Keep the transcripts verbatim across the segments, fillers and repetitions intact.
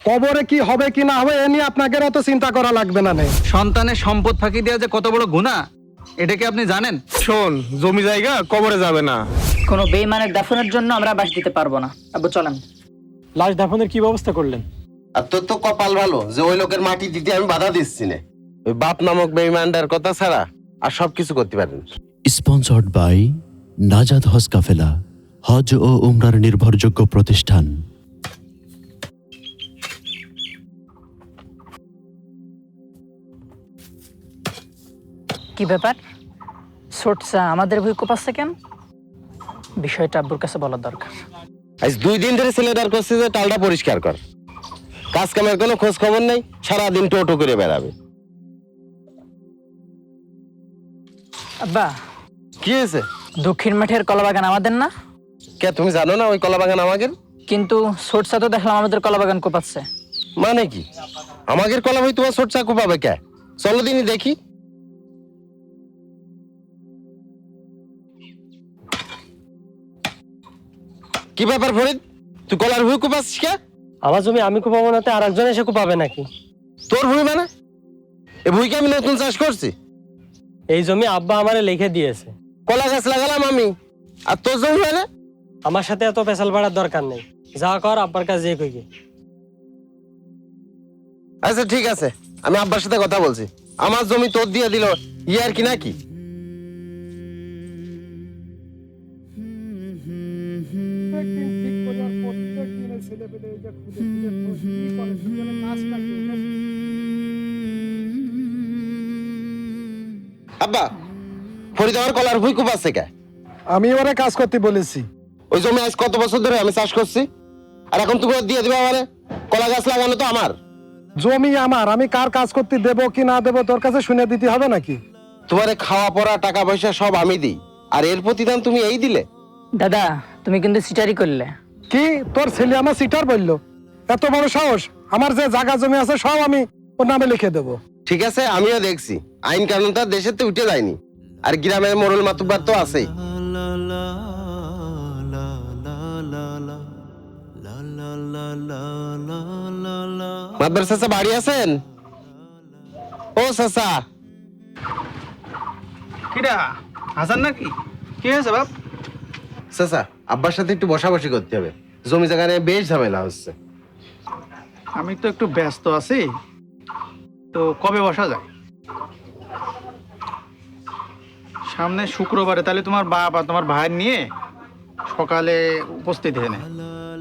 কবরে কি হবে কি না হবে এ নিয়ে আপনাকে অত চিন্তা করা লাগবে না। নেই সন্তানের সম্পদ ফাঁকি দেওয়া যে কত বড় গুনাহ এটা কি আপনি জানেন? শোন, জমি জায়গা কবরে যাবে না। কোনো বেঈমানের দাফনের জন্য আমরা বাস দিতে পারবো না। আব্বু চলেন। লাশ দাফনের কি ব্যবস্থা করলেন? আর তোর তো কপাল ভালো যে ওই লোকের মাটি দিতে আমি বাধা দিচ্ছি না। ওই বাপ নামক বেঈমানটার কথা ছাড়া আর সবকিছু করতে পারেন। স্পন্সর্ড বাই নাজাদ হজ কাফেলা, হজ ও উমরার নির্ভরযোগ্য প্রতিষ্ঠান। কি ব্যাপার? সোটসা আমাদের ভুই কোপাচ্ছে কেন? বিষয়টা আব্বুর কাছে বলার দরকার। আজ দুই দিন ধরে ছেলেটার করছে যে টালটা পরিষ্কার কর। কাজ কামের কোনো খোঁজ খবর নেই, সারাদিন টোটো করে বেড়াবে। আব্বা, কি হয়েছে? দক্ষিণ মাঠের কলাবাগান আমাদের না? কে তুমি জানো না ওই কলা বাগান আমাদের? কিন্তু সোটসা তো দেখলাম আমাদের কলাবাগান কোপাচ্ছে। মানে কি আমাদের কলা ভাই তোমার ছোট চাকু পাবে কে? চলো দিনই দেখি। কি ব্যাপার ফরিদ, তুই কলার ভুই কুপাচ্ছিস কে? আমার জমি আমি কুপাবো না, আর একজন এসে কুপাবে নাকি? তোর ভুই মানে? এ ভুইকে আমি নতুন চাষ করছি। এই জমি আব্বা আমারে লিখে দিয়েছে। কলা গাছ লাগালাম আমি, আর তোর জমি মানে? আমার সাথে এত পেশাল বাড়ার দরকার নেই। যা কর আব্বার কাছে যে কই গে। আচ্ছা ঠিক আছে, আমি আব্বার সাথে কথা বলছি। আমার জমি তোর দিয়ে দিল ইয়ার কি নাকি? আব্বা, ফরিদ আমার কলার ভুই কুপাচ্ছে কে? আমি ওরে কাজ করতে বলেছি। ওই জমি আজ কত বছর ধরে আমি চাষ করছি, আর এখন তুমি ওর দিয়ে দিবে আমারে? কলা গাছ লাগানো তো আমার জমি আমার, আমি কার কাজ করতে দেবো কি না দেবো তোর কাছে শুনে দিতে হবে নাকি? তোমারে খাওয়া পড়া টাকা পয়সা সব আমি দিই, আর এর প্রতিদান তুমি এই দিলে? দাদা, তুমি কিন্তু সিটারি করলে। কি তোর ছেলে আমার সিটার বললো? এত বড় সাহস! আমার যে জায়গা জমি আছে সব আমি ওর নামে লিখে দেবো। ঠিক আছে, আমিও দেখছি আইন কানুন তার দেশের তো উঠে যায়নি, আর গ্রামের মোড়ল মাতুব্বার তো আছেই। মাতবার চাচা বাড়ি আছেন? ও চাচা। কিরা হাসান নাকি? কি হয়েছে বাপ? চাচা, আব্বার সাথে একটু বসাবসি করতে হবে, জমি জায়গা নিয়ে বেশ ঝামেলা হচ্ছে। আমি তো একটু ব্যস্ত আছি, তো কবে বসা যায়? সামনে শুক্রবারে, তাহলে তোমার বাপ আর তোমার ভাই নিয়ে সকালে উপস্থিত হয়ে নেয়।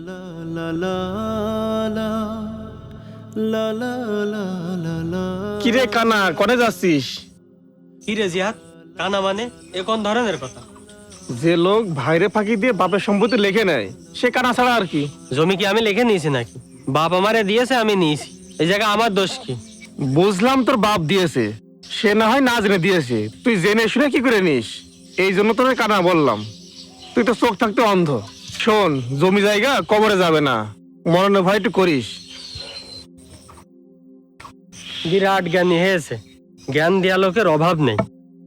কিরে কানা, কনে যাচ্ছিস? কি রে জিহাদ, কানা মানে এ কোন ধরনের কথা? যে লোক ভাইরে ফাঁকি দিয়ে বাপের সম্পত্তি লিখে নেয় সে কানা ছাড়া আর কি? জমি কি আমি লিখে নিয়েছি নাকি? বাপ আমারে দিয়েছে, আমি নিয়েছি। এই জায়গা আমার দোষ কি? বুঝলাম তোর বাপ দিয়েছে, সে না হয় না জেনে দিয়েছে, তুই জেনে শুনে কি করে নিস? এই জন্য তোর কানা বললাম, তুই তো চোখ থাকতে অন্ধ। শোন, জমি জায়গা কবরে যাবে না, মরণে ভয় একটু করিস। বিরাট জ্ঞানী হয়েছে, জ্ঞান দেয়া লোকের অভাব নেই।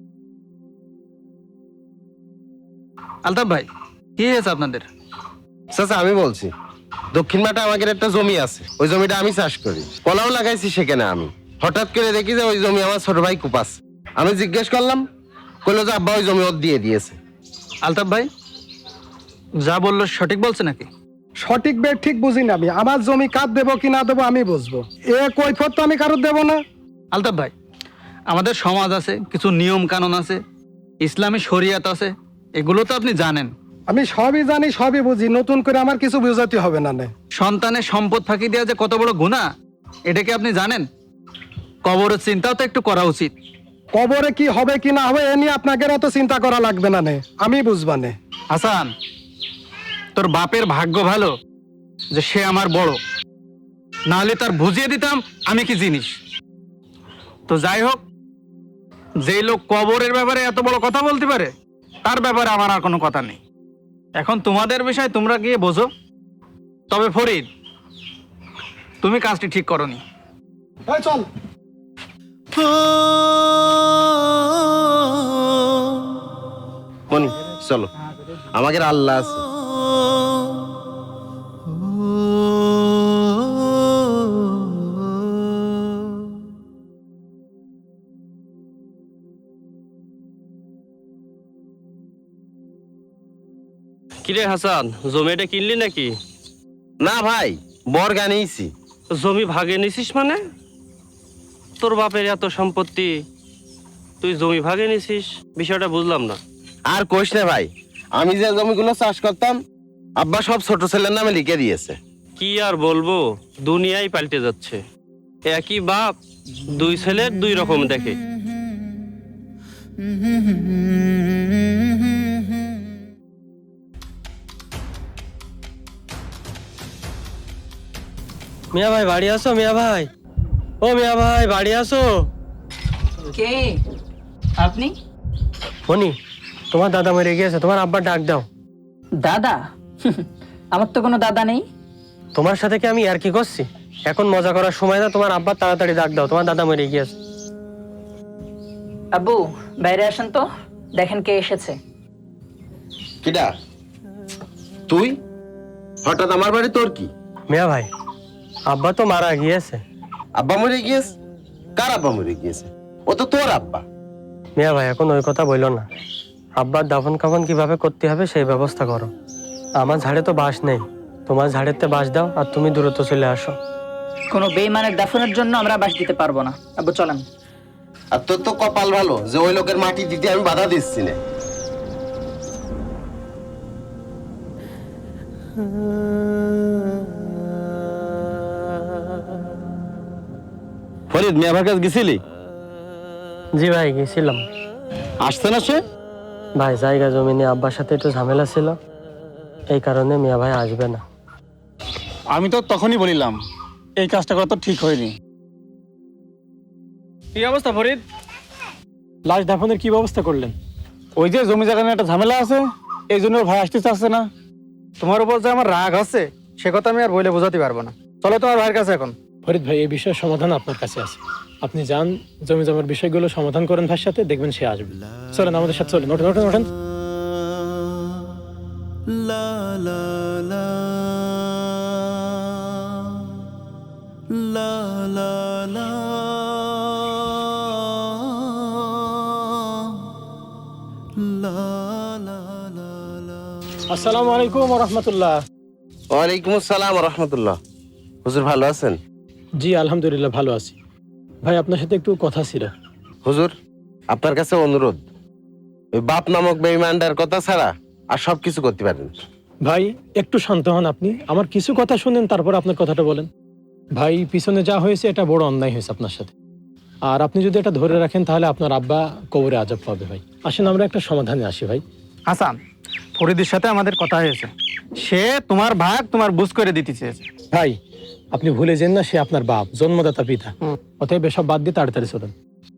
আলতাফ ভাই, কি হয়েছে আপনাদের? চাচা আমি বলছি, দক্ষিণ মাঠে আমাদের একটা জমি আছে, ওই জমিটা আমি চাষ করি, কলাও লাগাইছি সেখানে। আমি হঠাৎ করে দেখি যে ওই জমি আমার ছোট ভাই কুপাস। আমি জিজ্ঞেস করলাম, কইলো যে আব্বা ওই জমি ওর দিয়ে দিয়েছে। আলতাফ ভাই যা বললো সঠিক বলছে নাকি? সঠিক বে ঠিক বুঝি না আমি। আমার জমি কার দেবো কি না দেবো আমি বুঝবো, এ কৈফত তো আমি কারোর দেবো না। আলতাফ ভাই, আমাদের সমাজ আছে, কিছু নিয়ম কানুন আছে, ইসলামী শরিয়াত আছে, এগুলো তো আপনি জানেন। আমি সবই জানি, সবই বুঝি, নতুন করে আমার কিছু বুঝাতে হবে না। নে সন্তানের সম্পদ ফাঁকি দেওয়া যে কত বড় গুনাহ এটা কি আপনি জানেন? কবরের চিন্তাও তো একটু করা উচিত। কবরে কি হবে কি না হবে এ নিয়ে আপনাকে অত চিন্তা করা লাগবে না। নে আমি বুঝবা নে। হাসান, তোর বাপের ভাগ্য ভালো যে সে আমার বড়, নাহলে তার বুঝিয়ে দিতাম আমি কি জিনিস। তো যাই হোক, যেই লোক কবরের ব্যাপারে এত বড় কথা বলতে পারে তার ব্যাপারে আমার আর কোনো কথা নেই। এখন তোমাদের বিষয়, তোমরা গিয়ে বোঝো। তবে ফরিদ, তুমি কাজটি ঠিক করনি। এই চল। মনি চলো, আমাদের আল্লাহ আছে। কিরে হাসান, জমিটা কিনলি নাকি? না ভাই, বর্গা নিয়েছি। জমি ভাগে নিছিস মানে? তোর বাপের এত সম্পত্তি, তুই জমি ভাগে নিছিস? বিষয়টা বুঝলাম না। আর কইস না ভাই, আমি যে জমিগুলো চাষ করতাম আব্বা সব ছোট ছেলের নামে লিখে দিয়েছে। কি আর বলবো, দুনিয়াই পাল্টে যাচ্ছে। একই বাপ, দুই ছেলের দুই রকম দেখে। মিয়া ভাই বাড়ি আসো, মিয়া ভাই। ও মিয়া ভাই বাড়ি আসো। কে আপনি? মনি, তোমার দাদা মরে গিয়েছে, তোমার আব্বা ডাক দাও। দাদা? আমার তো কোনো দাদা নেই। তোমার সাথে কি আমি আর কি করছি? এখন মজা করার সময় না, তোমার আব্বা তাড়াতাড়ি ডাক দাও, তোমার দাদা মরে গিয়েছে। আব্বু বাইরে আসেন তো, দেখেন কে এসেছে। কিডা তুই? হঠাৎ আমার বাড়ি তোর কি? মিয়া ভাই, আব্বা তো মারা গিয়েছে। আব্বা মরে গিয়েছে? কার আব্বা মরে গিয়েছে? ও তো তোর আব্বা। মিয়া ভাই এখন ওই কথা বললো না, আব্বার দাফন কাফন কিভাবে করতে হবে সেই ব্যবস্থা করো। আমার ঝাড়ে তো বাঁশ নেই, তোমার ঝাড়েতে বাঁশ দাও আর তুমি দূরত্ব চলে আসো। কোনো বেইমানের দাফনের জন্য আমরা বাস দিতে পারবো না। আব্বু চলেন। আর তোর তো কপাল ভালো যে ওই লোকের মাটি দিতে আমি বাধা দিচ্ছি না। ফরিদ, মিয়া ভাইয়ের কাছে গেছিলি? জি ভাই গেছিলাম। আসছে না সে? ভাই জায়গা জমি নিয়ে আব্বার সাথে একটু ঝামেলা ছিল, এই কারণে মিয়া ভাই আসবে না। আমি তো তখনই বলিলাম এই কাজটা করা তো ঠিক হয়নি। কি অবস্থা ফরিদ? লাশ দাফনের কি ব্যবস্থা করলেন? ওই যে জমি জায়গা নিয়ে একটা ঝামেলা আছে, এই জন্য ওর ভাই আসতে চাচ্ছে না। তোমার উপর যে আমার রাগ আছে সে কথা আমি আর বলে বোঝাতে পারবো না। চলো তোমার ভাইয়ের কাছে এখন। ফরিদ ভাই, এই বিষয়ের সমাধান আপনার কাছে আছে। আপনি যান, জমি জমার বিষয়গুলো সমাধান করেন ভাইয়ের সাথে, দেখবেন সে আসবে। চলেন আমাদের সাথে, চলেন, ওঠেন ওঠেন ওঠেন। আসসালামু আলাইকুম ওয়া রাহমাতুল্লাহ। ওয়ালাইকুম আসসালাম ওয়া রাহমাতুল্লাহ। হুজুর ভালো আছেন? জি আলহামদুলিল্লাহ ভালো আছি। ভাই আপনার সাথে একটু কথা ছিল। হুজুর, আপনার কাছে অনুরোধ, ওই বাপ নামক বেঈমানদার কথা ছাড়া আর সব কিছু করতে পারেন। ভাই একটু শান্ত হন আপনি, আমার কিছু কথা শুনেন তারপর আপনার কথাটা বলেন। ভাই পিছনে যা হয়েছে এটা বড় অন্যায় হয়েছে আপনার সাথে, আর আপনি যদি এটা ধরে রাখেন তাহলে আপনার আব্বা কবরে আযাব পাবে। ভাই আসেন আমরা একটা সমাধানে আসি। ভাই হাসান, ফরিদের সাথে আমাদের কথা হয়েছে, সে তোমার ভাগ তোমার বুঝ করে দিতে চেয়েছে। ভাই আপনি ভুলে যান না, সে আপনার বাপ, জন্মদাতা পিতা। অতএব এসব বাদ দিয়ে তাড়াতাড়ি চলেন।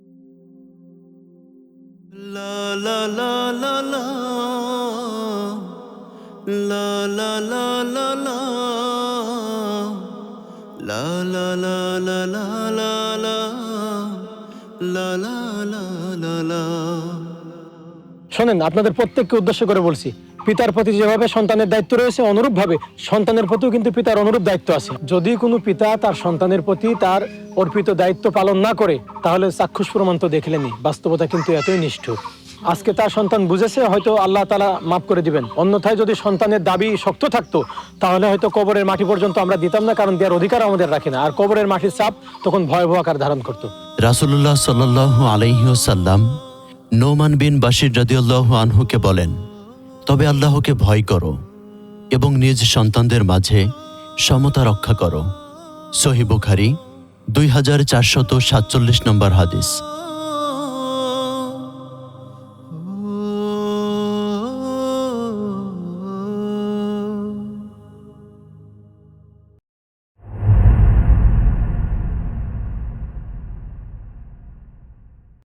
শোনেন, আপনাদের প্রত্যেককে উদ্দেশ্য করে বলছি, পিতার প্রতি যেভাবে সন্তানের দায়িত্ব রয়েছে অনুরূপ ভাবে সন্তানের প্রতিও কিন্তু পিতার অনুরূপ দায়িত্ব আছে। যদি কোনো পিতা তার সন্তানের প্রতি তার অর্পিত দায়িত্ব পালন না করে তাহলে চাক্ষুষ প্রমাণ তো দেখলেনি, বাস্তবতা কিন্তু এতই নিষ্ঠুর। আজকে তার সন্তান বুঝেছে, হয়তো আল্লাহ তাআলা মাফ করে দিবেন। অন্যথায় যদি সন্তানের দাবি শক্ত থাকতো তাহলে হয়তো কবরের মাটি পর্যন্ত আমরা দিতাম না, কারণ দেওয়ার অধিকার আমাদের রাখে না। আর কবরের মাটির চাপ তখন ভয়াবহ আকার ধারণ করতো। রাসূলুল্লাহ সাল্লাল্লাহু আলাইহি ওয়াসাল্লাম নোমান বিন বাশির রাদিয়াল্লাহু আনহুকে বলেন, তবে আল্লাহকে ভয় করো এবং নিজ সন্তানদের মাঝে সমতা রক্ষা করো। সহিহ বুখারী দুই হাজার চারশত সাতচল্লিশ নম্বর হাদিস।